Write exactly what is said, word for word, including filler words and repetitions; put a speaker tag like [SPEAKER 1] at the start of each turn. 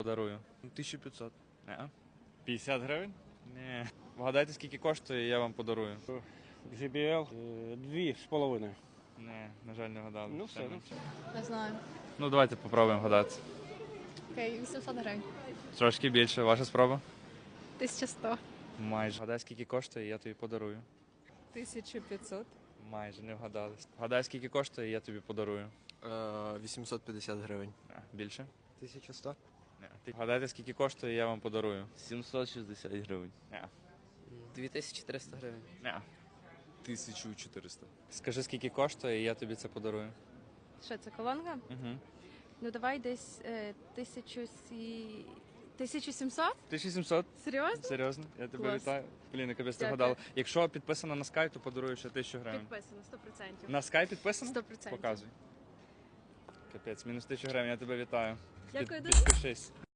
[SPEAKER 1] Подарую.
[SPEAKER 2] тисяча п'ятсот.
[SPEAKER 1] Не.
[SPEAKER 3] п'ятдесят гривень?
[SPEAKER 1] Ні. Вгадайте, скільки коштує, і я вам подарую.
[SPEAKER 4] джей бі ел дві з половиною.
[SPEAKER 1] Не, на жаль, не вгадали.
[SPEAKER 4] Ну,
[SPEAKER 1] Ще
[SPEAKER 4] все, ну.
[SPEAKER 1] менше.
[SPEAKER 5] Не знаю.
[SPEAKER 1] Ну, давайте попробуємо вгадати.
[SPEAKER 5] Окей, вісімсот гривень.
[SPEAKER 1] Трошки більше. Ваша спроба?
[SPEAKER 5] тисяча сто.
[SPEAKER 1] Майже. Вгадай, скільки коштує, і я тобі подарую.
[SPEAKER 6] тисяча п'ятсот.
[SPEAKER 1] Майже не вгадали. Вгадай, скільки коштує, і я тобі подарую.
[SPEAKER 2] вісімсот п'ятдесят гривень.
[SPEAKER 1] Не. Більше?
[SPEAKER 2] тисяча сто.
[SPEAKER 1] Не. Ти вгадайте, скільки коштує, і я вам подарую.
[SPEAKER 7] сімсот шістдесят гривень.
[SPEAKER 1] Не.
[SPEAKER 7] дві тисячі триста гривень.
[SPEAKER 1] Не.
[SPEAKER 2] тисяча чотириста.
[SPEAKER 1] Скажи, скільки коштує, і я тобі це подарую.
[SPEAKER 5] Що це, колонка?
[SPEAKER 1] Угу.
[SPEAKER 5] Ну давай десь е, тисячу сі... тисячу сімсот?
[SPEAKER 1] тисяча сімсот.
[SPEAKER 5] Серйозно?
[SPEAKER 1] Серйозно? Я тебе
[SPEAKER 5] Клас.
[SPEAKER 1] вітаю. Блін, я капець ти
[SPEAKER 5] Дякую.
[SPEAKER 1] вгадала. Якщо підписано на Sky, то подарую ще тисячу гривень.
[SPEAKER 5] Підписано, сто відсотків.
[SPEAKER 1] На Sky підписано?
[SPEAKER 5] сто відсотків.
[SPEAKER 1] Показуй. Капець, мінус тисячу гривень, я тебе вітаю.
[SPEAKER 5] Дякую
[SPEAKER 1] Під-
[SPEAKER 5] дуже.
[SPEAKER 1] Підпишись.